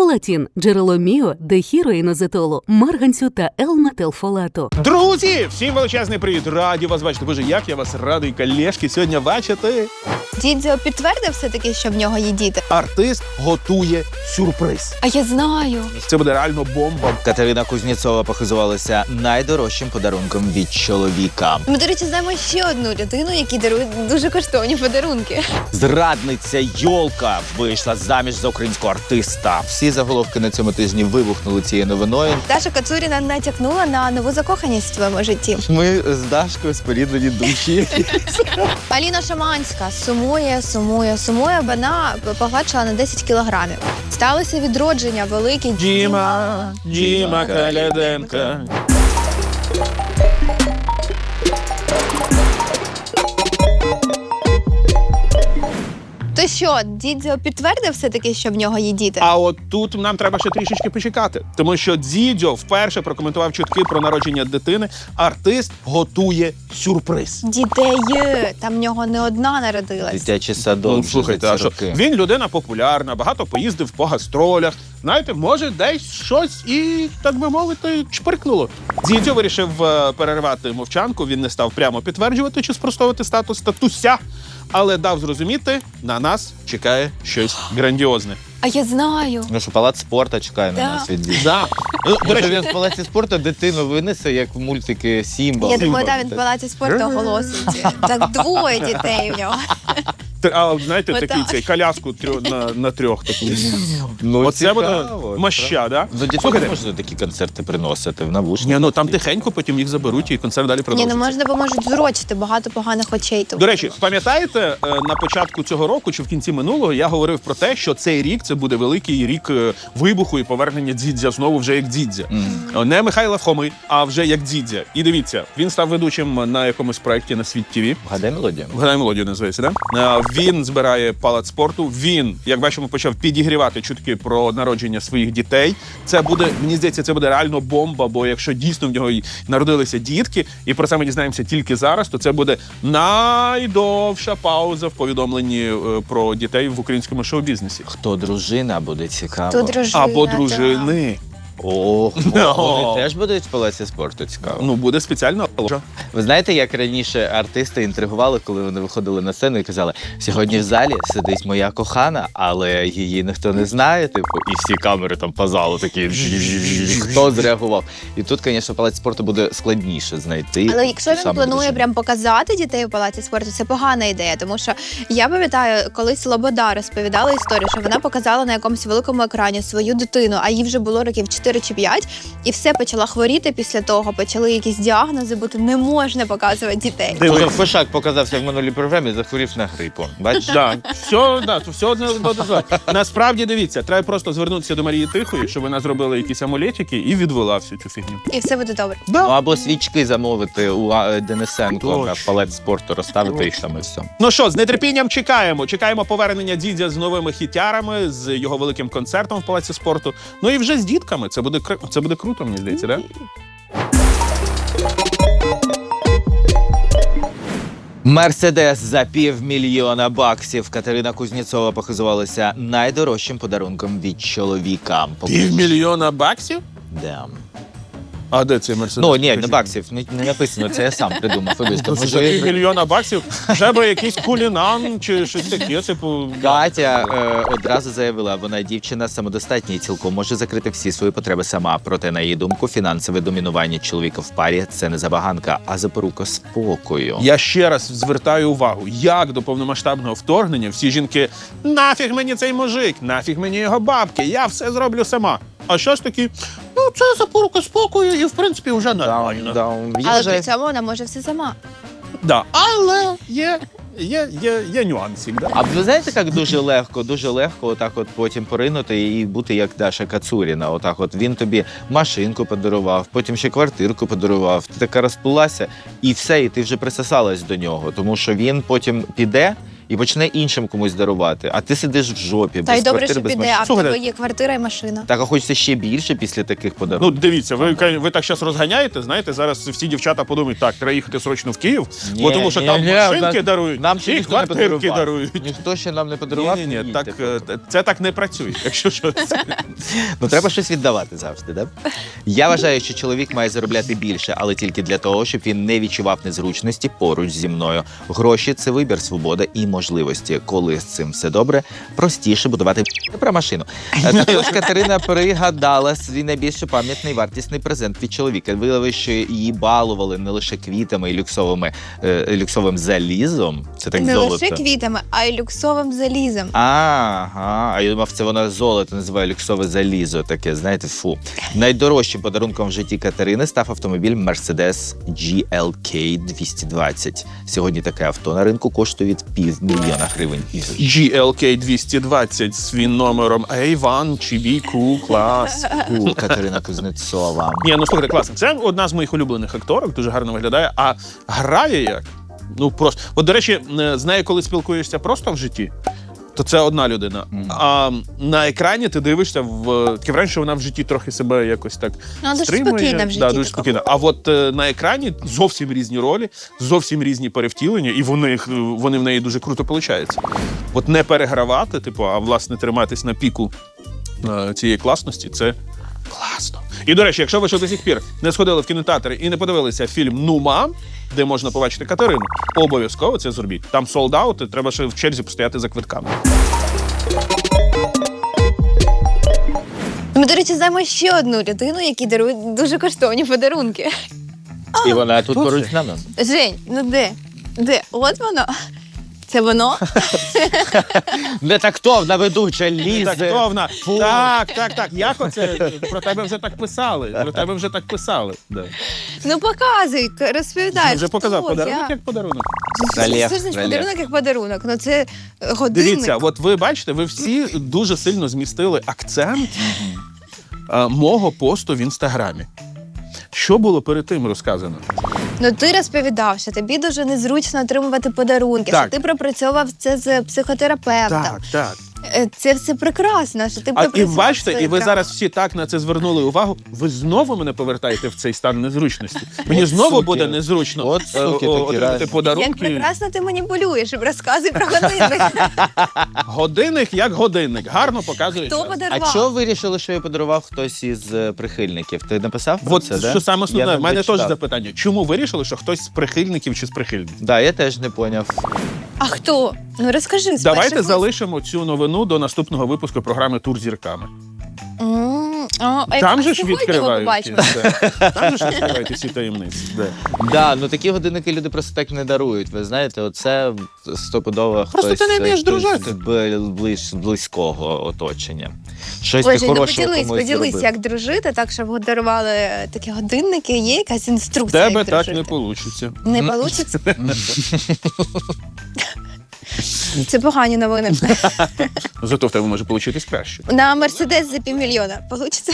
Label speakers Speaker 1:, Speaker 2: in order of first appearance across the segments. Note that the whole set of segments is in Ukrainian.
Speaker 1: Фолатін – джерело міо, дехіроїнозетолу, марганцю та L-метилфолату.
Speaker 2: Друзі, всім величезний привіт! Раді вас бачити. Боже, як я вас радий, колежки, сьогодні бачити.
Speaker 3: Дідзьо підтвердив все-таки, що в нього є діти?
Speaker 2: Артист готує сюрприз.
Speaker 3: А я знаю.
Speaker 2: Це буде реально бомба.
Speaker 4: Катерина Кузнєцова похизувалася найдорожчим подарунком від чоловіка.
Speaker 3: Ми, до речі, знаємо ще одну людину, якій дарують дуже коштовні подарунки.
Speaker 4: Зрадниця Йолка вийшла заміж за українського артиста. Всі заголовки на цьому тижні вибухнули цією новиною.
Speaker 3: Даша Кацуріна натякнула на нову закоханість в своєму житті.
Speaker 4: Ми з Дашкою споріднені душі.
Speaker 3: Аліна Шаманська сумує, вона погладшила на 10 кілограмів. Сталося відродження велике.
Speaker 2: Діма Каляденка.
Speaker 3: То що, Дідзьо підтвердив все-таки, що в нього є діти?
Speaker 2: А от тут нам треба ще трішечки почекати. Тому що Дзідзьо вперше прокоментував чутки про народження дитини. Артист готує сюрприз.
Speaker 3: Дітей. Там в нього не одна народилась.
Speaker 4: Дитячий садок.
Speaker 2: Ну, слухайте, а що? Він людина популярна, багато поїздив по гастролях. Знаєте, може, десь щось і, так би мовити, чпиркнуло. Дзідзьо вирішив перервати мовчанку. Він не став прямо підтверджувати чи спростовувати статус татуся, але дав зрозуміти, на нас чекає щось грандіозне.
Speaker 3: А я знаю.
Speaker 4: Ну що, палац спорту чекає
Speaker 3: Да.
Speaker 4: на нас від дітей.
Speaker 2: Да. До
Speaker 4: Може,
Speaker 2: речі,
Speaker 4: він в палаці спорту дитину винесе, як в мультики Сімба.
Speaker 3: Я думаю, там він в палаці спорту оголосить. Так двоє дітей в нього.
Speaker 2: а знаєте,
Speaker 3: Отак.
Speaker 2: такий цей коляску на трьох таку.
Speaker 4: Ну,
Speaker 2: Оце буде
Speaker 4: цікаво.
Speaker 2: моща, да?
Speaker 4: Ну, дітей
Speaker 2: Слухайте,
Speaker 4: можна такі концерти приносити в навушниках.
Speaker 2: ні, ну там тихенько, потім їх заберуть і концерт далі
Speaker 3: Ні,
Speaker 2: продовжиться.
Speaker 3: ну можна, бо можуть зурочити багато поганих очей.
Speaker 2: До речі, пам'ятаєте, на початку цього року чи в кінці минулого я говорив про те, що цей рік це буде великий рік вибуху і повернення Дзідзя знову вже як Дзідзя. Не Михайла Фоми, а вже як Дзідзя. І дивіться, він став ведучим на якомусь проєкті на Світ ТВ.
Speaker 4: Вгадай мелодію.
Speaker 2: Вгадай мелодію називається, да? Він збирає палац спорту. Він, як бачимо, почав підігрівати чутки про народження своїх дітей. Це буде, мені здається, це буде реально бомба, бо якщо дійсно в нього й народилися дітки, і про це ми дізнаємося тільки зараз, то це буде найдовша пауза в повідомленні про дітей в українському шоу-бізнесі.
Speaker 4: Хто дружина, буде цікаво.
Speaker 3: Тут дружина.
Speaker 2: Або дружини.
Speaker 4: Ого,
Speaker 2: No.
Speaker 4: вони теж будуть в палаці спорту, цікаво.
Speaker 2: Ну, буде спеціально.
Speaker 4: Ви знаєте, як раніше артисти інтригували, коли вони виходили на сцену і казали, сьогодні в залі сидить моя кохана, але її ніхто не знає, типу, і всі камери там по залу такі, хто зреагував. І тут, звісно, палац спорту буде складніше знайти.
Speaker 3: Але якщо він
Speaker 4: саме
Speaker 3: планує
Speaker 4: дружину.
Speaker 3: прям показати дітей у палаці спорту, це погана ідея, тому що я пам'ятаю, колись Лобода розповідала історію, що вона показала на якомусь великому екрані свою дитину, а їй вже було років 4 чи 5, і все, почала хворіти після того, почали якісь діагнози, бо не можна показувати дітей.
Speaker 4: Уже Фишак показався в минулій програмі, захворів на грипу. Бачиш?
Speaker 2: Все одне дозволь. Насправді, дивіться, треба просто звернутися до Марії Тихої, щоб вона зробила якісь амулетики і відвела всю цю фігню.
Speaker 3: І все буде добре.
Speaker 4: Ну, або свічки замовити у Денисенко
Speaker 2: Точно.
Speaker 4: на палац спорту, розставити їх там і все.
Speaker 2: Ну що, з нетерпінням чекаємо. Чекаємо повернення Дзідзя з новими хітярами, з його великим концертом в палаці спорту. Ну і вже з дітками. Це буде круто, мені здається, да?
Speaker 4: Мерседес за $500,000. Катерина Кузнєцова похизувалася найдорожчим подарунком від чоловіка.
Speaker 2: $500,000?
Speaker 4: Да.
Speaker 2: А де цей Мерседес?
Speaker 4: Ну, ні, не баксів, не написано, це я сам придумав. Вибачте,
Speaker 2: За $500,000 треба якийсь кулінан чи щось таке, типу...
Speaker 4: Катя одразу заявила, вона дівчина самодостатня і цілком може закрити всі свої потреби сама. Проте, на її думку, фінансове домінування чоловіка в парі – це не забаганка, а запорука спокою.
Speaker 2: Я ще раз звертаю увагу, як до повномасштабного вторгнення всі жінки «Нафіг мені цей мужик, нафіг мені його бабки, я все зроблю сама». А щось такі, ну це запорука спокою і в принципі вже нормально.
Speaker 3: Але при цьому вона може все сама.
Speaker 2: Да. Але є нюансик. Да?
Speaker 4: А ви знаєте, як дуже легко отак от потім поринути і бути як Даша Кацуріна. Отак от він тобі машинку подарував, потім ще квартирку подарував. Ти така розплилася і все, і ти вже присосалась до нього. Тому що він потім піде, і почне іншим комусь дарувати. А ти сидиш в жопі,
Speaker 3: Та й
Speaker 4: без
Speaker 3: добре,
Speaker 4: квартири,
Speaker 3: що
Speaker 4: без
Speaker 3: піде,
Speaker 4: машини.
Speaker 3: а в
Speaker 2: Слухайте.
Speaker 3: тебе є квартира і машина.
Speaker 4: Так, а хочеться ще більше після таких подарунків.
Speaker 2: Ну, дивіться, ви так зараз розганяєте, знаєте, зараз всі дівчата подумають, так, треба їхати срочно в Київ, бо тому що там машинки дарують,
Speaker 4: нам ще
Speaker 2: і
Speaker 4: ніхто не
Speaker 2: квартирки
Speaker 4: подарував.
Speaker 2: дарують.
Speaker 4: Ніхто ще нам не подарував.
Speaker 2: Ні,
Speaker 4: не
Speaker 2: так,
Speaker 4: їдьте.
Speaker 2: це так не працює, якщо щось.
Speaker 4: Ну, треба щось віддавати завжди, да? Я вважаю, що чоловік має заробляти більше, але тільки для того, щоб він не відчував незручності поруч зі мною. Гроші – це вибір, свобода і можливості. Коли з цим все добре, простіше будувати про машину. Також Катерина пригадала свій найбільш пам'ятний вартісний презент від чоловіка. Виявилося, що її балували не лише квітами і люксовим залізом. Це так
Speaker 3: Не
Speaker 4: золото.
Speaker 3: лише квітами, а й люксовим залізом.
Speaker 4: Ага, а я думав, це вона золото називає люксове залізо. Таке, знаєте, фу. Найдорожчим подарунком в житті Катерини став автомобіль Mercedes GLK 220. Сьогодні таке авто на ринку коштує від $500 000 гривень.
Speaker 2: GLK 220 з він номером A1 чи BQ, клас.
Speaker 4: Катерина Кузнецова.
Speaker 2: Ні, ну слухайте, класно. Це одна з моїх улюблених акторок, дуже гарно виглядає, а грає як? Ну просто. От, до речі, з нею, коли спілкуєшся просто в житті, то це одна людина. А на екрані ти дивишся таке враження, що вона в житті трохи себе якось так
Speaker 3: Ну, дуже
Speaker 2: стримує.
Speaker 3: спокійна в житті.
Speaker 2: Да, дуже
Speaker 3: така.
Speaker 2: спокійна. А от на екрані зовсім різні ролі, зовсім різні перевтілення, і вони в неї дуже круто виходять. От не перегравати, типу, а власне триматись на піку цієї класності, це класно. І, до речі, якщо ви ще до сих пір не сходили в кінотеатр і не подивилися фільм «Ну, мам», де можна побачити Катерину, обов'язково це зробіть. Там солд-аут, і треба ще в черзі постояти за квитками.
Speaker 3: Ми, до речі, знаємо ще одну людину, якій дарують дуже коштовні подарунки.
Speaker 4: І вона тут
Speaker 2: хто
Speaker 4: поруч
Speaker 2: це?
Speaker 4: з нами.
Speaker 3: Жень, ну де? Де? От воно. Це воно?
Speaker 4: Не тактовна ведуча лізе.
Speaker 2: Тактовна. Так. Як оце? Про тебе вже так писали. Да.
Speaker 3: Ну показуй, розповідай.
Speaker 2: Я вже показав
Speaker 3: хто,
Speaker 2: подарунок
Speaker 3: як?
Speaker 2: як подарунок.
Speaker 4: Рельєф,
Speaker 3: Це ж не
Speaker 4: рельєф.
Speaker 3: подарунок як подарунок. Ну це годинник.
Speaker 2: Дивіться, от ви бачите, ви всі дуже сильно змістили акцент мого посту в Інстаграмі. Що було перед тим розказано?
Speaker 3: Ну ти розповідав, що тобі дуже незручно отримувати подарунки,
Speaker 2: Так.
Speaker 3: що ти пропрацьовував це з психотерапевтом.
Speaker 2: Так.
Speaker 3: Це все прекрасно, що ти
Speaker 2: І
Speaker 3: пропрацював
Speaker 2: бачите,
Speaker 3: свої
Speaker 2: і ви
Speaker 3: травми.
Speaker 2: зараз всі так на це звернули увагу. Ви знову мене повертаєте в цей стан незручності. Мені
Speaker 4: От
Speaker 2: знову
Speaker 4: суки.
Speaker 2: буде незручно
Speaker 4: От суки такі,
Speaker 2: отримати
Speaker 4: реально.
Speaker 3: Як
Speaker 2: подарунки.
Speaker 3: прекрасно ти маніпулюєш, розказуй про годинник.
Speaker 2: Годинник як годинник. Гарно показує
Speaker 3: Хто
Speaker 2: час.
Speaker 3: подарував?
Speaker 4: А чого вирішили, що я подарував хтось із прихильників? Ти написав про
Speaker 2: От
Speaker 4: це, да?
Speaker 2: що саме основне,
Speaker 4: Я
Speaker 2: в
Speaker 4: не
Speaker 2: мене теж
Speaker 4: дочитав.
Speaker 2: запитання. Чому вирішили, що хтось з прихильників чи з прихильників?
Speaker 4: Да, я теж не поняв.
Speaker 3: А хто? Ну розкажи. з
Speaker 2: Давайте
Speaker 3: перших вуст.
Speaker 2: залишимо цю новину до наступного випуску програми «Тур зірками».
Speaker 3: А
Speaker 2: Там же
Speaker 3: а
Speaker 2: ж
Speaker 3: сьогодні ми
Speaker 2: відкривають.
Speaker 3: побачимо.
Speaker 2: Там же ж відкривають всі таємниці. Да.
Speaker 4: Да, ну такі годинники люди просто так не дарують. Ви знаєте, оце стопудово
Speaker 2: Просто
Speaker 4: хтось,
Speaker 2: ти не вмієш
Speaker 4: хтось
Speaker 2: дружити.
Speaker 4: з близького оточення. Щось
Speaker 3: Ой,
Speaker 4: ти
Speaker 3: Жень, ну
Speaker 4: хорошого
Speaker 3: поділись,
Speaker 4: комусь зробив.
Speaker 3: як дружити, так щоб дарували такі годинники. Є якась
Speaker 2: В
Speaker 3: інструкція,
Speaker 2: тебе
Speaker 3: як
Speaker 2: так
Speaker 3: дружити?
Speaker 2: не вийде.
Speaker 3: Не получиться? Це погані новини.
Speaker 2: Зато в тебе може вийти краще.
Speaker 3: На Мерседес за $500 000. Получиться?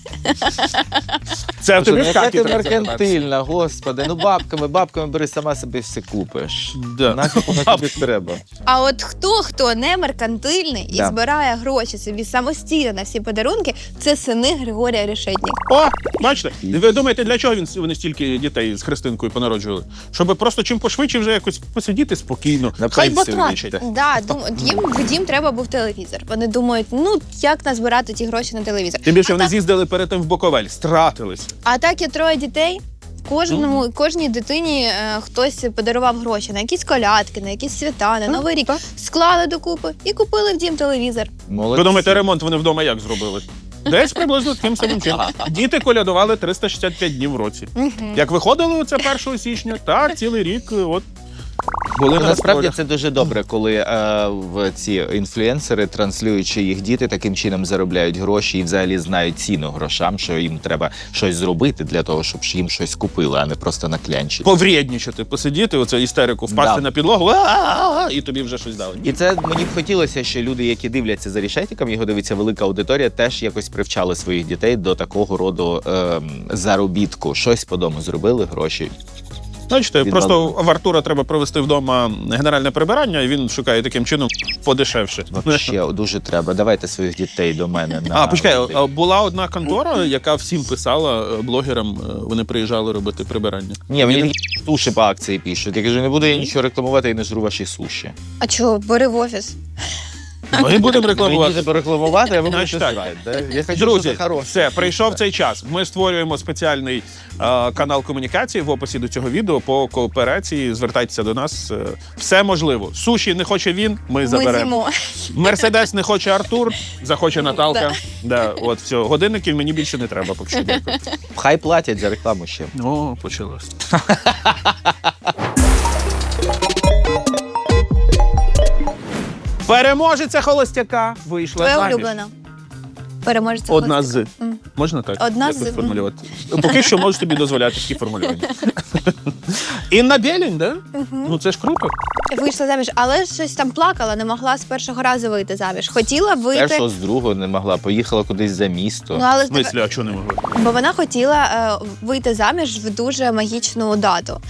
Speaker 2: Це в
Speaker 4: Слушай,
Speaker 2: тобі
Speaker 4: ну
Speaker 2: в
Speaker 4: яка
Speaker 2: хаті
Speaker 4: ти
Speaker 2: треба закопатися.
Speaker 4: меркантильна, господи. Ну бабками бери, сама собі все купиш.
Speaker 2: Да.
Speaker 4: Нафіг воно тобі треба.
Speaker 3: А от хто не меркантильний і
Speaker 4: Да.
Speaker 3: збирає гроші собі самостійно на всі подарунки, це сини Григорія Решетніка.
Speaker 2: О, бачите, ви думаєте, для чого вони стільки дітей з Христинкою понароджували? Щоб просто чим пошвидше вже якось посидіти спокійно.
Speaker 4: На
Speaker 2: Хай
Speaker 4: пенсію
Speaker 2: батрачать.
Speaker 4: вийти.
Speaker 3: Да, їм в дім треба був телевізор. Вони думають, ну як назбирати ті гроші на телевізор.
Speaker 2: Тим більше
Speaker 3: А
Speaker 2: вони
Speaker 3: так-
Speaker 2: з'їздили перед тим в Буковель, стратились.
Speaker 3: А так є 3 дітей. Кожній дитині хтось подарував гроші на якісь колядки, на якісь свята, на Новий рік. Склали докупи і купили в дім телевізор.
Speaker 4: Молодці.
Speaker 2: Ви думаєте, ремонт вони вдома як зробили? Десь приблизно таким самим чином. Діти колядували 365 днів в році. Як виходили оце 1 січня, так цілий рік от були
Speaker 4: Ну,
Speaker 2: на
Speaker 4: насправді
Speaker 2: гастролях.
Speaker 4: це дуже добре, коли в ці інфлюенсери, транслюючи їх діти, таким чином заробляють гроші і взагалі знають ціну грошам, що їм треба щось зробити для того, щоб їм щось купили, а не просто наклянчити.
Speaker 2: Поврєднічати, посидіти, оце істерику, впасти
Speaker 4: Да.
Speaker 2: на підлогу, і тобі вже щось дали.
Speaker 4: І це мені б хотілося, що люди, які дивляться за Решетіком, його дивиться велика аудиторія, теж якось привчали своїх дітей до такого роду заробітку. Щось по дому зробили, гроші.
Speaker 2: Бачите,
Speaker 4: Від
Speaker 2: просто
Speaker 4: балону.
Speaker 2: в Артура треба провести вдома генеральне прибирання, і він шукає таким чином подешевше.
Speaker 4: Вообще, дуже треба. Давайте своїх дітей до мене на...
Speaker 2: Почекай, була одна контора, яка всім писала блогерам, вони приїжджали робити прибирання.
Speaker 4: Ні, мені такі суші по акції пишуть. Я кажу, не буду я нічого рекламувати і не жру ваші суші.
Speaker 3: А чого, бери в офіс?
Speaker 2: Ми будемо
Speaker 4: Мені
Speaker 2: рекламувати.
Speaker 4: треба рекламувати, а ви
Speaker 2: Значить
Speaker 4: будете
Speaker 2: так.
Speaker 4: зрати. Да? Я хочу,
Speaker 2: Друзі,
Speaker 4: що це хороше.
Speaker 2: все, прийшов цей час. Ми створюємо спеціальний канал комунікації в описі до цього відео по кооперації. Звертайтеся до нас. Все можливо. Суші не хоче він, ми
Speaker 3: Ми
Speaker 2: заберемо.
Speaker 3: з'їмо.
Speaker 2: Мерседес не хоче Артур, захоче Наталка. Да, от все. Годинників мені більше не треба, поки що. Дякую.
Speaker 4: Хай платять за рекламу ще.
Speaker 2: О, почалось. Переможеця холостяка вийшла
Speaker 3: Твоя
Speaker 2: заміж.
Speaker 3: улюблена. Переможеться
Speaker 2: Одна
Speaker 3: хостика.
Speaker 2: з. Можна так?
Speaker 3: Одна
Speaker 2: Як
Speaker 3: з.
Speaker 2: тут формулювати? Поки що можу тобі дозволяти такі формулювання. Інна Бєлінь, да? Ну це ж круто.
Speaker 3: Вийшла заміж, але щось там плакала, не могла з першого разу вийти заміж. Хотіла вийти,
Speaker 4: Першого з другого не могла, поїхала кудись за місто.
Speaker 3: ну але
Speaker 2: В смислі, а чого не могли?
Speaker 3: бо вона хотіла вийти заміж в дуже магічну дату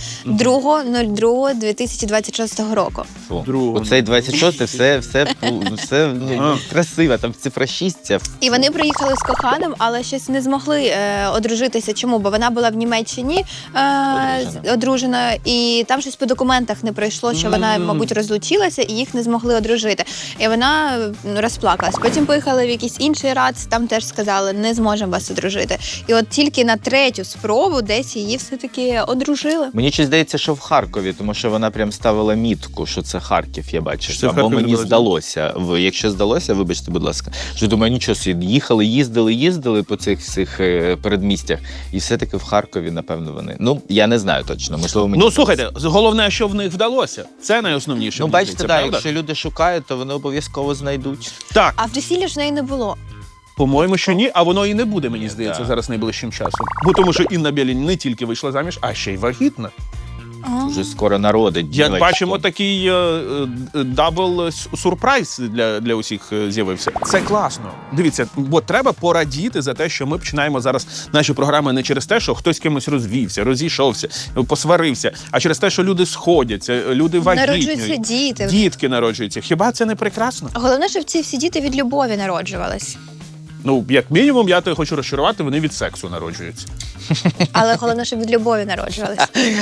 Speaker 3: 2.02.2026 року.
Speaker 4: Фу.
Speaker 2: Другого.
Speaker 4: Оцей 26-й, все ну, красиво, там цифра 6 ця.
Speaker 3: І вони приїхали з коханим, але щось не змогли одружитися. Чому? Бо вона була в Німеччині одружена, і там щось по документах не пройшло, що вона, мабуть, розлучилася, і їх не змогли одружити. І вона розплакалась. Потім поїхали в якийсь інший рац, там теж сказали, не зможемо вас одружити. І от тільки на третю спробу десь її все-таки одружили.
Speaker 4: Мені щось здається, що в Харкові, тому що вона прям ставила мітку, що це Харків, я бачив.
Speaker 2: Що це в
Speaker 4: Або
Speaker 2: Харкові
Speaker 4: мені
Speaker 2: було?
Speaker 4: здалося. Якщо здалося, вибачте, будь ласка. Що думаю, нічого собі, їздили по цих всіх передмістях, і все-таки в Харкові, напевно, вони. Ну, я не знаю точно, можливо, мені...
Speaker 2: Ну слухайте, головне, що в них вдалося. Це найосновніше.
Speaker 4: Ну,
Speaker 2: мені
Speaker 4: бачите,
Speaker 2: здається,
Speaker 4: так,
Speaker 2: правда?
Speaker 4: якщо люди шукають, то вони обов'язково знайдуть.
Speaker 2: Так,
Speaker 3: А в весілля ж в неї не було.
Speaker 2: по-моєму, що ні, а воно і не буде, мені здається,
Speaker 4: Так.
Speaker 2: зараз найближчим часом. Бо тому що Інна Бєлінь не тільки вийшла заміж, а ще й вагітна.
Speaker 4: Вже скоро народить.
Speaker 2: Як
Speaker 4: дівчатку.
Speaker 2: бачимо, такий дабл сюрприз для усіх з'явився. Це класно. Дивіться, бо треба порадіти за те, що ми починаємо зараз наші програми не через те, що хтось з кимось розвівся, розійшовся, посварився, а через те, що люди сходяться, люди
Speaker 3: Народжуються
Speaker 2: вагітнюють,
Speaker 3: діти.
Speaker 2: дітки народжуються. Хіба це не прекрасно?
Speaker 3: Головне, щоб ці всі діти від любові народжувались.
Speaker 2: Ну, як мінімум, я тебе хочу розчарувати, вони від сексу народжуються.
Speaker 3: Але головне, щоб від любові народжувались.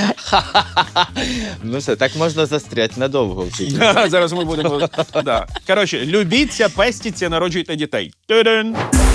Speaker 4: Ну все, так можна застряти надовго. в цій
Speaker 2: Зараз ми будемо. Да. Коротше, любіться, пестіться, народжуйте дітей. Ту-дун!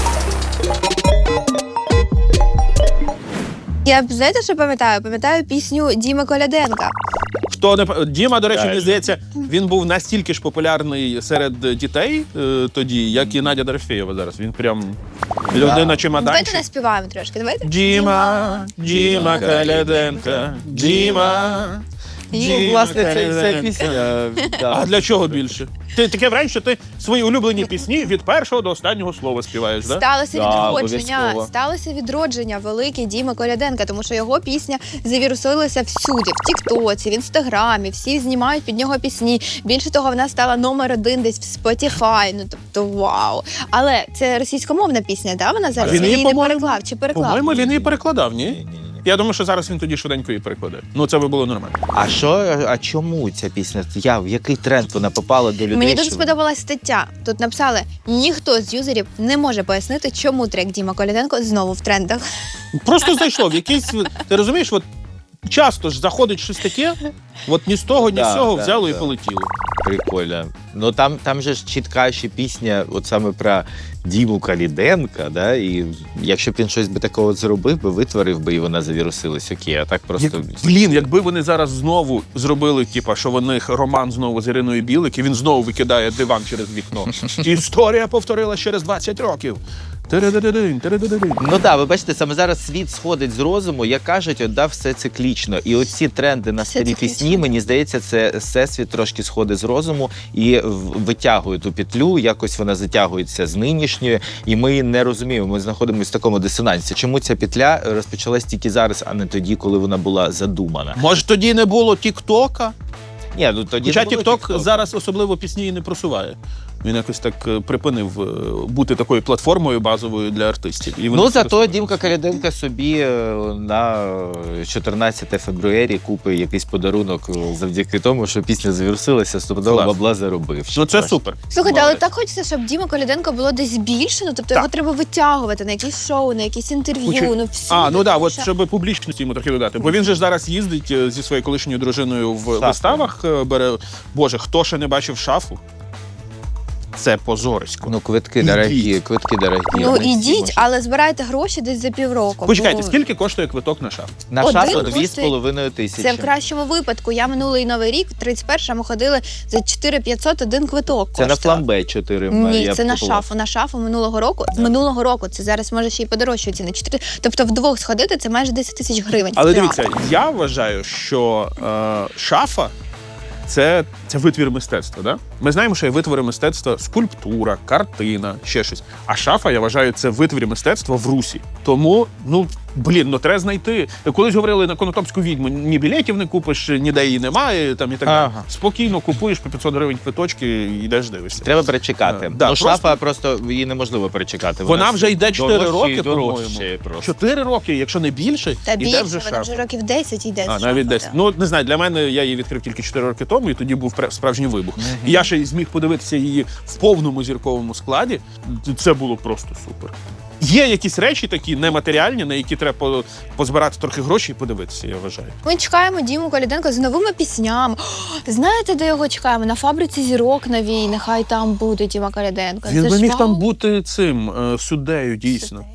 Speaker 3: Я знаєте, що пам'ятаю? Пам'ятаю пісню Діми Коляденка.
Speaker 2: Хто не Діма, до речі,
Speaker 4: Так.
Speaker 2: мені здається, він був настільки ж популярний серед дітей тоді, як і Надя Дорофєєва зараз. Він прям людина
Speaker 3: Давайте
Speaker 2: чемоданчик.
Speaker 3: наспіваємо трошки. Давайте.
Speaker 2: Діма Коляденка, Діма.
Speaker 4: Ну, власне, це пісня.
Speaker 2: А для чого більше? Ти таке враження, що ти свої улюблені пісні від першого до останнього слова співаєш, да?
Speaker 3: Сталося
Speaker 4: Да,
Speaker 3: відродження.
Speaker 4: обов'язково.
Speaker 3: Сталося відродження велике Діми Коляденка, тому що його пісня завірусилася всюди, в Тіктоці, в Інстаграмі. Всі знімають під нього пісні. Більше того, вона стала номер 1 десь в Spotify. Ну тобто, вау. Але це російськомовна пісня, да? Вона зараз
Speaker 2: він її,
Speaker 3: її не
Speaker 2: по-моєму,
Speaker 3: переклав чи переклав?
Speaker 2: По-моєму, він її перекладав, ні?
Speaker 4: Ні.
Speaker 2: Я думаю, що зараз він тоді швиденько її перекладе. Ну, це би було нормально.
Speaker 4: А чому ця пісня? В який тренд вона попала до людей?
Speaker 3: Мені дуже
Speaker 4: що-
Speaker 3: сподобалась стаття. Тут написали, ніхто з юзерів не може пояснити, чому трек Діма Коляденко знову в трендах.
Speaker 2: Просто зайшло в якийсь. Ти розумієш, от часто ж заходить щось таке, от ні з того, ні з
Speaker 4: Да,
Speaker 2: цього
Speaker 4: да,
Speaker 2: взяло і
Speaker 4: да.
Speaker 2: полетіло.
Speaker 4: Прикольно. Ну там же ж чітка ще пісня, от саме про Діму Каліденка, да? І якщо б він щось би такого зробив би, витворив би, і вона завірусилась, окей, а так просто.
Speaker 2: Блін, якби вони зараз знову зробили, типа, що в них роман знову з Іриною Білик, і він знову викидає диван через вікно. Історія повторилась через 20 років. Тередедедин, тередедедин.
Speaker 4: Ну так, ви бачите, саме зараз світ сходить з розуму, як кажуть, от, да, все циклічно. І оці тренди на
Speaker 3: Все
Speaker 4: старі
Speaker 3: циклічно.
Speaker 4: пісні, мені здається, це всесвіт трошки сходить з розуму і витягує ту петлю, якось вона затягується з нинішньої, і ми не розуміємо, ми знаходимося в такому дисонансі. Чому ця петля розпочалась тільки зараз, а не тоді, коли вона була задумана?
Speaker 2: Може, тоді не було Тік-Тока?
Speaker 4: Ні, ну тоді
Speaker 2: Хоча
Speaker 4: не було
Speaker 2: Тік-Ток
Speaker 4: TikTok.
Speaker 2: зараз особливо пісні і не просуває. Він якось так припинив бути такою платформою базовою для артистів. І вони
Speaker 4: Ну, зато
Speaker 2: просто-
Speaker 4: Дімка Коляденко собі на 14 февруарі купить якийсь подарунок завдяки тому, що пісня завірусилася, стопудово
Speaker 2: Клас.
Speaker 4: бабла заробив.
Speaker 2: Ну це супер.
Speaker 3: Слухайте, але
Speaker 2: Молодець.
Speaker 3: так хочеться, щоб Діма Коляденко було десь більше, ну тобто
Speaker 2: Так.
Speaker 3: його треба витягувати на якісь шоу, на якісь інтерв'ю,
Speaker 2: Хочу-
Speaker 3: ну всі.
Speaker 2: Ну да,
Speaker 3: тому
Speaker 2: от
Speaker 3: що-
Speaker 2: щоб публічності йому трохи додати. Бо він же ж зараз їздить зі своєю колишньою дружиною в
Speaker 4: Шафу.
Speaker 2: виставах. Бере. Боже, хто ще не бачив шафу? Це позорисько.
Speaker 4: Ну, квитки
Speaker 2: Ідіть.
Speaker 4: дорогі, квитки дорогі.
Speaker 3: Ну
Speaker 4: не всі
Speaker 3: ідіть,
Speaker 4: можуть.
Speaker 3: але збирайте гроші десь за півроку.
Speaker 2: Почекайте,
Speaker 3: бо
Speaker 2: скільки коштує квиток на шафу?
Speaker 4: На
Speaker 3: один
Speaker 4: шафу
Speaker 3: коштує-
Speaker 4: 2,5 тисячі.
Speaker 3: Це в кращому випадку. Я минулий Новий рік, 31-му ходили за 4500 один квиток.
Speaker 4: Це на
Speaker 3: коштував.
Speaker 4: фламбе 4.
Speaker 3: Ні,
Speaker 4: я
Speaker 3: це на
Speaker 4: купував.
Speaker 3: шафу. На шафу минулого року. З минулого року це зараз може ще й подорожчується на 4. Тобто вдвох сходити це майже 10 тисяч гривень.
Speaker 2: Але
Speaker 3: в театр.
Speaker 2: дивіться, я вважаю, що шафа це витвір мистецтва. Да? Ми знаємо, що є витвори мистецтва скульптура, картина, ще щось. А шафа, я вважаю, це витвір мистецтва в Русі. Тому, треба знайти. Колись говорили на Конотопську відьму, ні білетів не купиш, ніде її немає, там і так далі.
Speaker 4: Ага.
Speaker 2: Спокійно купуєш по 500 гривень квиточки і йдеш дивишся.
Speaker 4: Треба перечекати.
Speaker 2: Да,
Speaker 4: Ну, шафа просто її неможливо перечекати.
Speaker 2: Вона вже йде 4
Speaker 4: дорожче
Speaker 2: роки,
Speaker 4: і дорожче
Speaker 2: по-моєму.
Speaker 4: просто.
Speaker 2: 4 роки, якщо не більше,
Speaker 3: Та
Speaker 2: іде
Speaker 3: більше,
Speaker 2: вже
Speaker 3: вона
Speaker 2: шафа.
Speaker 3: вже років 10 йде.
Speaker 2: А,
Speaker 3: шафа,
Speaker 2: навіть десь.
Speaker 3: так.
Speaker 2: Ну, не знаю, для мене я її відкрив тільки 4 роки тому, і тоді був справжній вибух. І я ще й зміг подивитися її в повному зірковому складі. Це було просто супер. Є якісь речі такі нематеріальні, на які треба позбирати трохи грошей і подивитися, я вважаю.
Speaker 3: Ми чекаємо Діму Коляденка з новими піснями. О, знаєте, де його чекаємо? На фабриці зірок новій. Нехай там буде Діма Коляденко.
Speaker 2: Він
Speaker 3: Це
Speaker 2: би
Speaker 3: ж
Speaker 2: міг
Speaker 3: вау.
Speaker 2: там бути цим суддею, дійсно.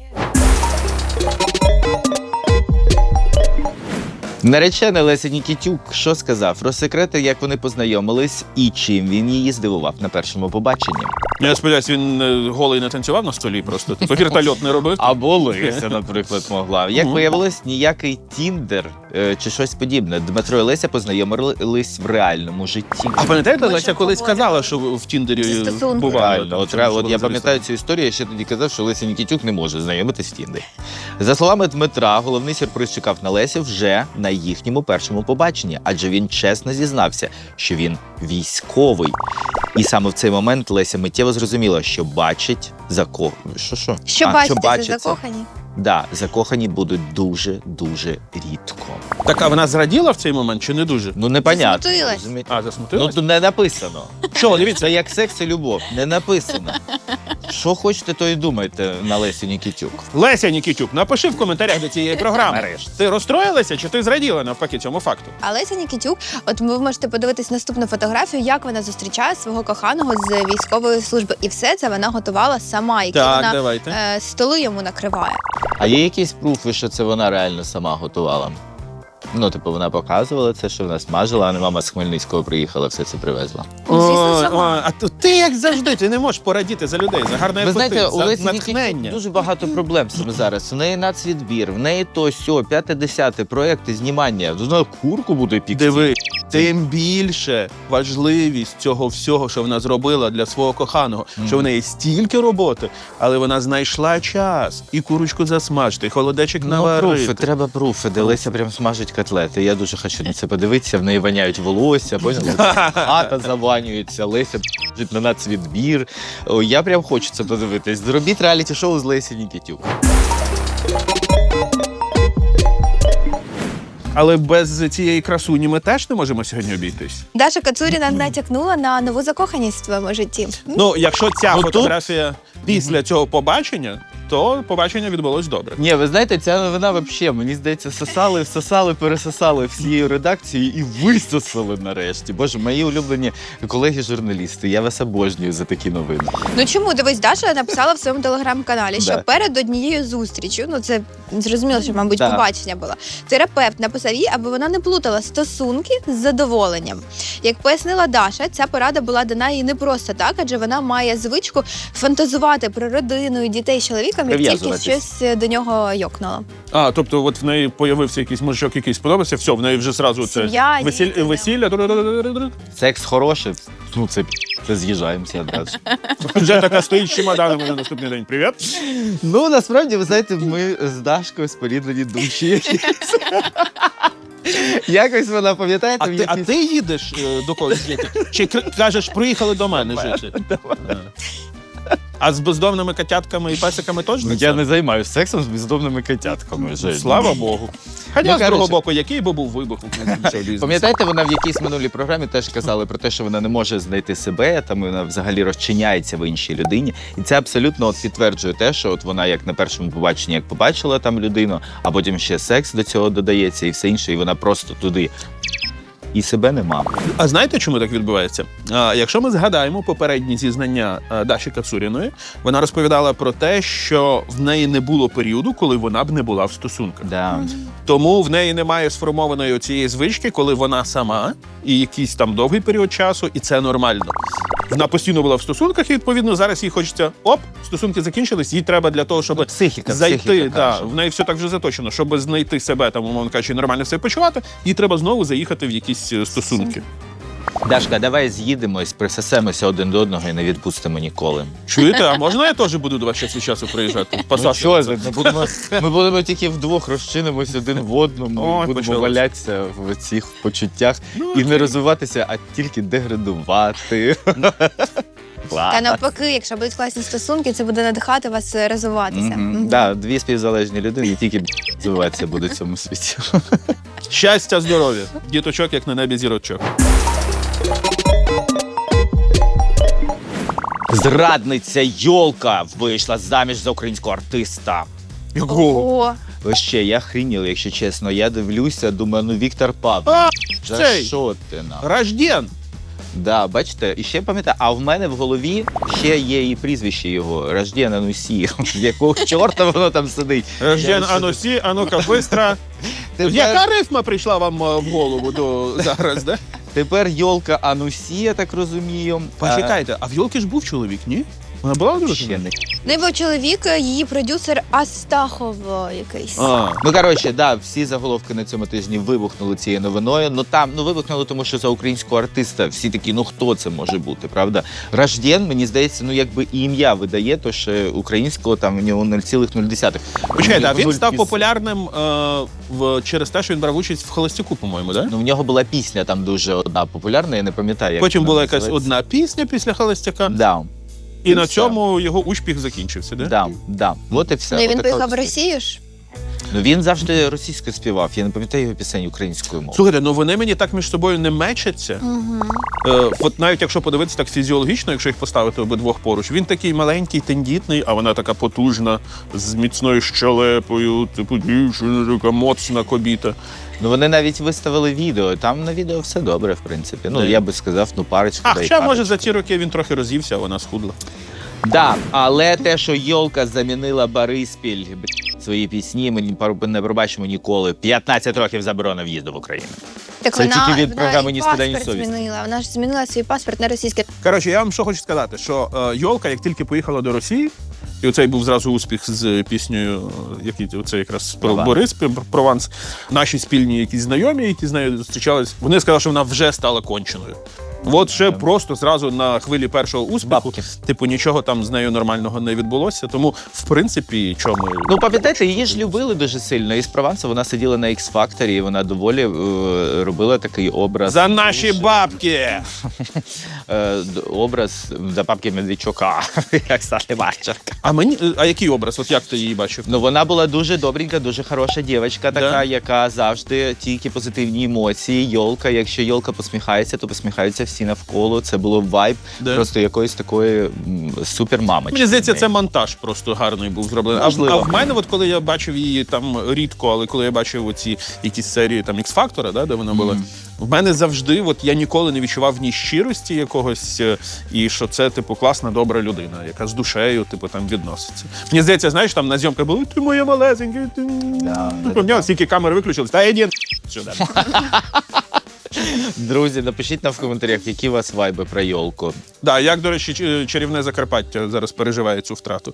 Speaker 4: Наречений Леся Нікітюк що сказав? Розсекретив, як вони познайомились і чим він її здивував на першому побаченні.
Speaker 2: Я сподіваюся, він голий не танцював на столі просто. Типу вертольот не робив.
Speaker 4: Або Леся, наприклад, могла. Як виявилось, ніякий Тіндер чи щось подібне. Дмитро і Леся познайомились в реальному житті.
Speaker 2: А пам'ятаєте,
Speaker 3: Ми
Speaker 2: Леся
Speaker 3: ж
Speaker 2: колись
Speaker 3: говоримо.
Speaker 2: казала, що в Тіндері
Speaker 3: Зі стосунків.
Speaker 2: бувало.
Speaker 4: Реально,
Speaker 2: там,
Speaker 4: от,
Speaker 2: що
Speaker 4: от
Speaker 2: вона
Speaker 4: я
Speaker 2: залізла.
Speaker 4: пам'ятаю цю історію, я ще тоді казав, що Леся Нікітюк не може знайомитись в Тіндері. За словами Дмитра, головний сюрприз чекав на Лесі вже на їхньому першому побаченні, адже він чесно зізнався, що він військовий. І саме в цей момент Леся миттєво зрозуміла, що бачить
Speaker 3: Що бачите, це закохані?
Speaker 4: Да, закохані будуть дуже-дуже рідко.
Speaker 2: Так, а вона зраділа в цей момент чи не дуже?
Speaker 4: Ну, непонятно.
Speaker 3: Засмутилась.
Speaker 4: розумієте?
Speaker 2: А,
Speaker 4: Ну,
Speaker 2: засмутилась?
Speaker 4: тут не написано. Що, дивіться, це як секс і любов. Не написано. Що хочете, то і думайте на Лесі Нікітюк.
Speaker 2: Леся Нікітюк, напиши в коментарях до цієї програми.
Speaker 4: Нарешті.
Speaker 2: Ти розстроїлася чи ти зраділа навпаки цьому факту?
Speaker 3: А Леся Нікітюк, от ви можете подивитись наступну фотографію, як вона зустрічає свого коханого з військової служби. І все це вона готувала сама, які вона
Speaker 2: давайте.
Speaker 3: столи йому накриває.
Speaker 4: А є якісь пруфи, що це вона реально сама готувала? Ну, типу, вона показувала це, що вона смажила, а не мама з Хмельницького приїхала, все це привезла.
Speaker 3: Ну, звісно, сама.
Speaker 2: А ти як завжди, ти не можеш порадіти за людей, за гарний
Speaker 4: Ви
Speaker 2: апетит,
Speaker 4: знаєте, у
Speaker 2: за
Speaker 4: Лесі
Speaker 2: натхнення.
Speaker 4: Нікітюк дуже багато проблем саме зараз. В неї нацвідбір, в неї то сьо, 5-10 проєкти знімання. Вона курку буде пікти.
Speaker 2: Диви, тим більше важливість цього всього, що вона зробила для свого коханого, що в неї стільки роботи, але вона знайшла час і курочку засмажити, і холодечок
Speaker 4: Ну,
Speaker 2: наварити.
Speaker 4: пруфи, треба пруфи, де Леся прям смажить котлети. Я дуже хочу на це подивитися, в неї воняють волосся, поняли? Хата заванюється, Леся жить на нацвідбір. О, я прям хочу це подивитись. Зробіть реаліті-шоу з Лесі Нікітюк.
Speaker 2: Але без цієї красуні ми теж не можемо сьогодні обійтись.
Speaker 3: Даша Кацуріна натякнула на нову закоханість в твоєму житті.
Speaker 2: Ну, якщо ця
Speaker 4: Ну, тут-
Speaker 2: фотографія після цього побачення, то побачення відбулось добре.
Speaker 4: Ні, ви знаєте, ця новина взагалі, мені здається, всосали, пересосали всією редакцією і висосали нарешті. Боже, мої улюблені колеги-журналісти, я вас обожнюю за такі новини.
Speaker 3: Ну чому? Дивись, Даша написала в своєму телеграм-каналі, що
Speaker 4: Да.
Speaker 3: перед однією зустрічю, ну це зрозуміло, що, мабуть,
Speaker 4: Да.
Speaker 3: побачення було. Терапевт написав їй, аби вона не плутала стосунки з задоволенням. Як пояснила Даша, ця порада була дана їй не просто так, адже вона має звичку фантазувати про родину і дітей з чоловіком, як тільки
Speaker 4: Прив'язуватись.
Speaker 3: щось до нього йокнуло.
Speaker 2: А, тобто, от в неї появився якийсь мужичок, який сподобався, все, в неї вже зразу це
Speaker 3: Сім'я, діти, да.
Speaker 2: весілля.
Speaker 4: Секс хороший, ну це з'їжджаємося одразу.
Speaker 2: Вже така стоїть з чемоданами на наступний день. Привіт.
Speaker 4: Ну, насправді, ви знаєте, ми з Дашкою споріднені душі. Якось вона, пам'ятаєте,
Speaker 2: А ти їдеш до когось жити? Чи кажеш, приїхали до мене жити? А з бездомними котятками і песиками теж не
Speaker 4: Я не займаюся сексом з бездомними котятками. Жень.
Speaker 2: Слава Богу. Хоча, з другого
Speaker 4: коротше.
Speaker 2: боку, який би був вибух у цього бізнесу?
Speaker 4: Пам'ятаєте, вона в якійсь минулій програмі теж казала про те, що вона не може знайти себе, там вона взагалі розчиняється в іншій людині. І це абсолютно підтверджує те, що от вона як на першому побаченні, як побачила там людину, а потім ще секс до цього додається і все інше, і вона просто туди. І себе нема.
Speaker 2: А знаєте, чому так відбувається? Якщо ми згадаємо попередні зізнання Даші Кацуріної, вона розповідала про те, що в неї не було періоду, коли вона б не була в стосунках.
Speaker 4: Да.
Speaker 2: Тому в неї немає сформованої цієї звички, коли вона сама і якийсь там довгий період часу, і це нормально. Вона постійно була в стосунках, і відповідно зараз їй хочеться стосунки закінчились, їй треба для того, щоб
Speaker 4: Психіка
Speaker 2: зайти.
Speaker 4: каже.
Speaker 2: В неї все так вже заточено, щоб знайти себе, там, умовно кажучи, нормально себе почувати, їй треба знову заїхати в якісь стосунки.
Speaker 4: Дашка, давай з'їдемось, присосемося один до одного і не відпустимо ніколи.
Speaker 2: Чуєте, а можна я теж буду до вас час від часу приїжджати?
Speaker 4: Ми будемо тільки вдвох розчинимось один в одному,
Speaker 2: Ой,
Speaker 4: і будемо
Speaker 2: почалось.
Speaker 4: валятися в цих почуттях і не розвиватися, а тільки деградувати.
Speaker 3: Та навпаки, якщо будуть класні стосунки, це буде надихати вас розвиватися.
Speaker 4: Да, дві співзалежні людини тільки розвиватися будуть в цьому світі.
Speaker 2: Щастя, здоров'я. Діточок, як на небі зірочок.
Speaker 4: Зрадниця Йолка вийшла заміж за українського артиста.
Speaker 2: Якого?
Speaker 3: О,
Speaker 4: Вообще, я хрініл, якщо чесно. Я дивлюся, думаю, ну Віктор Павлович, за
Speaker 2: цей.
Speaker 4: що ти нам?
Speaker 2: Рожден.
Speaker 4: Да, бачите, і ще пам'ятаю, а в мене в голові ще є і прізвище його Рожден Анусі. Якого чорта воно там сидить?
Speaker 2: Рожден Анусі, а ну-ка, быстро. Яка рифма прийшла вам в голову зараз, да?
Speaker 4: Тепер Йолка Анусі, я так розумію.
Speaker 2: Почекайте, а в Йолки ж був чоловік, ні? Вона була
Speaker 4: Ще
Speaker 2: дружина?
Speaker 4: не.
Speaker 3: не був чоловік, її продюсер Астахов якийсь.
Speaker 4: Ну, коротше, да, всі заголовки на цьому тижні вибухнули цією новиною. Ну там, вибухнули, тому що за українського артиста всі такі, ну хто це може бути, правда? Рожден, мені здається, ну якби і ім'я видає, то що українського там у нього 0,0.
Speaker 2: Почекайте, а він
Speaker 4: 0,0.
Speaker 2: став популярним через те, що він брав участь в Холостяку, по-моєму, да?
Speaker 4: Ну, в нього була пісня там дуже одна популярна, я не пам'ятаю, як
Speaker 2: Потім
Speaker 4: вона
Speaker 2: була якась
Speaker 4: називається.
Speaker 2: одна пісня після Холостяка,
Speaker 4: Да,
Speaker 2: і на
Speaker 4: все.
Speaker 2: цьому його успіх закінчився, да?
Speaker 4: да. От і все.
Speaker 3: Ну, і він
Speaker 4: Отака
Speaker 3: поїхав
Speaker 4: от
Speaker 3: в Росію ж.
Speaker 4: Ну він завжди російською співав. Я не пам'ятаю його пісень українською мовою.
Speaker 2: Слухайте, ну вони мені так між собою не мечаться. От навіть якщо подивитися так фізіологічно, якщо їх поставити обидвох поруч, він такий маленький, тендітний, а вона така потужна, з міцною щелепою, типу дівчина, така моцна кобіта.
Speaker 4: Ну вони навіть виставили відео. Там на відео все добре, в принципі. Ну
Speaker 2: Да.
Speaker 4: я би сказав, ну парочка.
Speaker 2: А хоча, може, за ці роки він трохи роз'ївся, а вона схудла.
Speaker 4: Да, але те, що Йолка замінила Бориспіль свої пісні, ми не пробачимо ніколи. 15 років заборона в'їзду в Україну.
Speaker 3: Так
Speaker 4: Це
Speaker 3: вона,
Speaker 4: тільки від
Speaker 3: вона
Speaker 4: програми
Speaker 3: і
Speaker 4: «Ні стида, ні
Speaker 3: паспорт
Speaker 4: совісті».
Speaker 3: змінила. Вона ж змінила свій паспорт на російський.
Speaker 2: Коротше, я вам що хочу сказати, що Йолка, як тільки поїхала до Росії, і оцей був зразу успіх з піснею, який оце якраз про
Speaker 4: Прованс.
Speaker 2: Борис, Прованс. Наші спільні якісь знайомі, які з нею зустрічались, вони сказали, що вона вже стала конченою. От ще просто зразу на хвилі першого успіху,
Speaker 4: Бабки.
Speaker 2: типу, нічого там з нею нормального не відбулося. Тому, в принципі, чому
Speaker 4: Ну, пам'ятаєте, її ж любили дуже сильно. І з Прованса вона сиділа на X-Factor, і вона доволі робила такий образ.
Speaker 2: за наші бабки.
Speaker 4: Образ за бабки Медведчука, як Саша Марченка.
Speaker 2: А який образ? От як ти її бачив?
Speaker 4: Ну, вона була дуже добренька, дуже хороша дівчинка, така,
Speaker 2: Да.
Speaker 4: яка завжди тільки позитивні емоції. Йолка, якщо Йолка посміхається, то посміхаються всі навколо. Це було вайб
Speaker 2: Да.
Speaker 4: просто якоїсь такої супермамочки.
Speaker 2: Мені здається, це монтаж просто гарний був зроблений.
Speaker 4: Можливо.
Speaker 2: А в мене, от коли я бачив її там рідко, але коли я бачив оці якісь серії там X-Factor, да, де вона була, в мене завжди, от я ніколи не відчував ні щирості якогось, і що це, типу, класна, добра людина, яка з душею, типу, там відноситься. Мені здається, знаєш, там на зйомках було, ти моя малесенька, ти... Типу, в нього стільки камери виключились, та йди сюди.
Speaker 4: Друзі, напишіть нам в коментарях, які у вас вайби про Йолку.
Speaker 2: Да, як, до речі, чарівне Закарпаття зараз переживає цю втрату.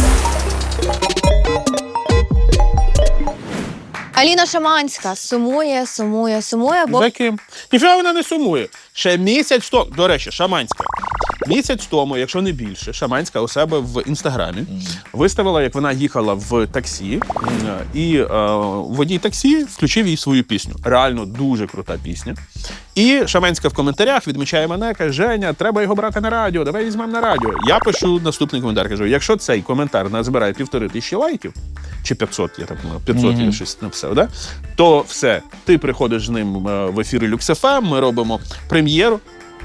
Speaker 3: Аліна Шаманська сумує, бо
Speaker 2: За ким? Ніфіга вона не сумує. Ще місяць тому, до речі, Шаманська. Місяць тому, якщо не більше, Шаманська у себе в Інстаграмі виставила, як вона їхала в таксі, і водій таксі включив їй свою пісню. Реально дуже крута пісня. І Шаманська в коментарях відмічає мене, каже: Женя, треба його брати на радіо, давай візьмемо на радіо. Я пишу наступний коментар, кажу: якщо цей коментар назбирає 1500 лайків, чи 500, я так думаю, 500 я щось написав, да? То все, ти приходиш з ним в ефірі Люкс.ФМ, ми робимо прем'єру.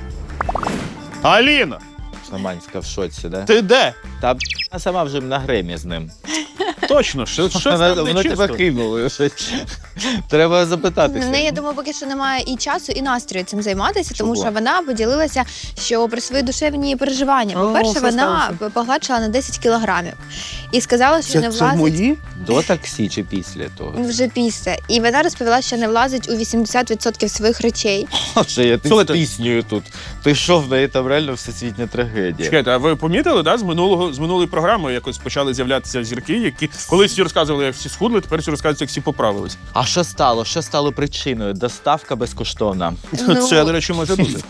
Speaker 2: Аліна,
Speaker 4: Шаманська в шоці, да?
Speaker 2: ти де?
Speaker 4: Та вона сама вже на гремі з ним.
Speaker 2: Точно, щось там
Speaker 4: Воно
Speaker 2: не
Speaker 4: тебе
Speaker 2: чисто.
Speaker 4: кинуло. Треба запитатися.
Speaker 3: В неї, я думаю, поки що немає і часу, і настрою цим займатися, тому
Speaker 2: Чого?
Speaker 3: що вона поділилася, що про свої душевні переживання. По-перше,
Speaker 2: що
Speaker 3: вона
Speaker 2: сталося?
Speaker 3: погладшила на 10 кілограмів і сказала, що не влазить
Speaker 2: мої?
Speaker 4: До таксі чи після того?
Speaker 3: вже після. І вона розповіла, що не влазить у 80% своїх речей.
Speaker 4: Що я ти з
Speaker 2: Слухайте.
Speaker 4: піснею тут. Ти що, в неї там реально всесвітня трагедія.
Speaker 2: Чекайте, а ви помітили, да, з минулої програми якось почали з'являтися зірки, які колись всі розказували, як всі схудли, тепер всі розказують, як всі поправились.
Speaker 4: А що стало? Що стало причиною? Доставка безкоштовна.
Speaker 3: Ну,
Speaker 2: Це, до речі, може бути.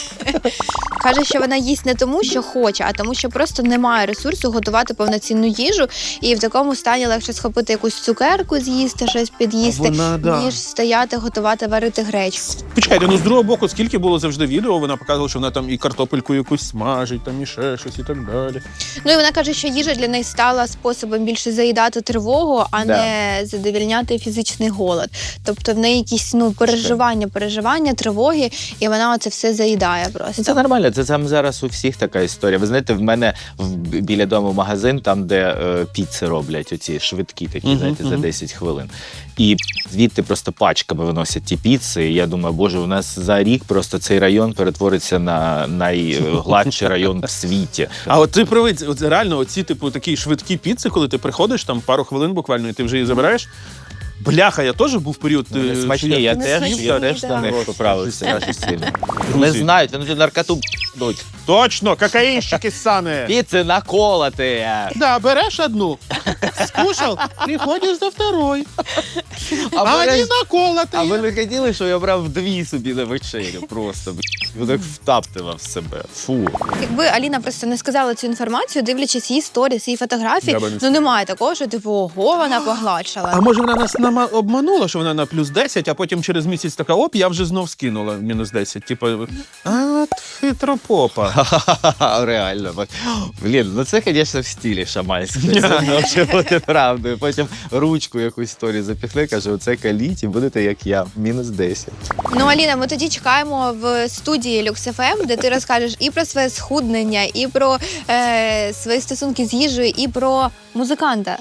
Speaker 3: Каже, що вона їсть не тому, що хоче, а тому, що просто немає ресурсу готувати повноцінну їжу, і в такому стані легше схопити якусь цукерку, з'їсти, щось під'їсти,
Speaker 2: Вона, да.
Speaker 3: ніж стояти, готувати, варити гречку.
Speaker 2: Почекайте, ну з другого боку, скільки було завжди відео, вона показувала, що вона там і картопельку якусь смажить, там і ще щось і так далі.
Speaker 3: Ну і вона каже, що їжа для неї стала способом більше заїдати тривогу, а
Speaker 4: Да.
Speaker 3: не задовільняти фізичний голод. Тобто в неї якісь переживання, тривоги, і вона оце все заїдає просто.
Speaker 4: Це нормально, це там зараз у всіх така історія. Ви знаєте, в мене біля дому магазин, там, де піци роблять, оці швидкі такі, знаєте, за 10 хвилин. І звідти просто пачками виносять ті піци. І я думаю, боже, у нас за рік просто цей район перетвориться на найгладший район в світі.
Speaker 2: А от ти привик, от реально, оці типу такі швидкі піци, коли ти приходиш, там пару хвилин буквально, і ти вже її забираєш. Бляха, я теж був період.
Speaker 4: Вони
Speaker 2: що
Speaker 4: смачні, я
Speaker 3: Вони
Speaker 4: теж
Speaker 3: смачні,
Speaker 4: на
Speaker 3: да.
Speaker 4: них поправився дуже сильно. Не
Speaker 2: Друзі.
Speaker 4: знають, вони тут наркоту дуть.
Speaker 2: Точно, кокаїнщики ссани.
Speaker 4: Піци наколоти.
Speaker 2: Да, береш одну, скушав, приходиш до второї. А вони наколоти.
Speaker 4: А ви не хотіли, що я брав 2 собі на вечерю просто, б***ь, так втаптував себе. Фу.
Speaker 3: Якби Аліна просто не сказала цю інформацію, дивлячись її сторіс, її фотографії,
Speaker 2: Я би не
Speaker 3: ну
Speaker 2: сказав.
Speaker 3: немає такого, що типу, ого, вона погладшала.
Speaker 2: А може вона нас обманула, що вона на плюс 10, а потім через місяць така, оп, я вже знов скинула мінус 10. Типу, от хитропопа.
Speaker 4: Реально. Блін, ну це, звісно, в стилі шаманського. Це може бути правдою. Потім ручку якусь сторі запіхне, каже, оце каліть і будете як я, мінус 10.
Speaker 3: Ну, Аліна, ми тоді чекаємо в студії Люкс.ФМ, де ти розкажеш і про своє схуднення, і про свої стосунки з їжею, і про музиканта.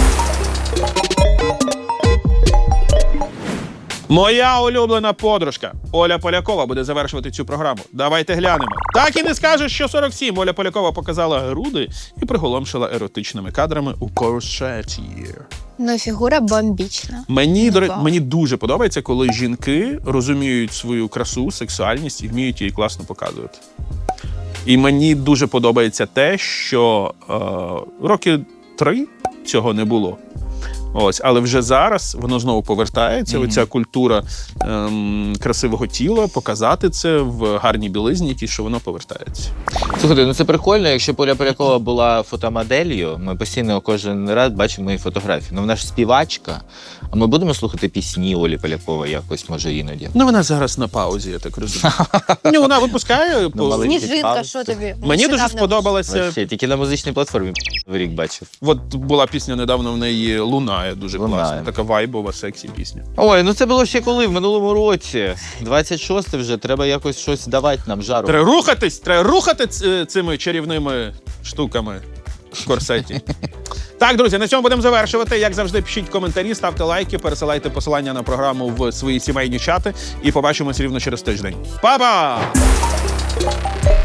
Speaker 2: Моя улюблена подружка Оля Полякова буде завершувати цю програму. Давайте глянемо. Так і не скажеш, що 47. Оля Полякова показала груди і приголомшила еротичними кадрами у корсеті.
Speaker 3: Ну, фігура бомбічна.
Speaker 2: Мені дуже подобається, коли жінки розуміють свою красу, сексуальність і вміють її класно показувати. І мені дуже подобається те, що роки 3 цього не було. Ось, але вже зараз воно знову повертається. Оця культура красивого тіла, показати це в гарній білизні, якій, що воно повертається.
Speaker 4: Слухайте, ну це прикольно, якщо Оля Полякова була фотомоделлю, ми постійно кожен раз бачимо її фотографії. Ну вона ж співачка, а ми будемо слухати пісні Олі Полякової якось, може, іноді.
Speaker 2: Ну, вона зараз на паузі, я так розумію. Ну, вона випускає.
Speaker 4: маленький
Speaker 3: Сніжинка,
Speaker 4: палець.
Speaker 3: що тобі?
Speaker 2: Мені дуже
Speaker 3: Нещодавно.
Speaker 2: сподобалася.
Speaker 4: Вообще, тільки на музичній платформі в рік бачив.
Speaker 2: От була пісня недавно в неї «Лунає», дуже
Speaker 4: «Лунає».
Speaker 2: класна. Така вайбова, сексі пісня.
Speaker 4: Ой, ну це було ще коли? В минулому році. 26 вже, треба якось щось давати нам жару.
Speaker 2: Треба рухати цими чарівними штуками в корсеті. Так, друзі, на цьому будемо завершувати. Як завжди, пишіть коментарі, ставте лайки, пересилайте посилання на програму в свої сімейні чати і побачимось рівно через тиждень. Па-па!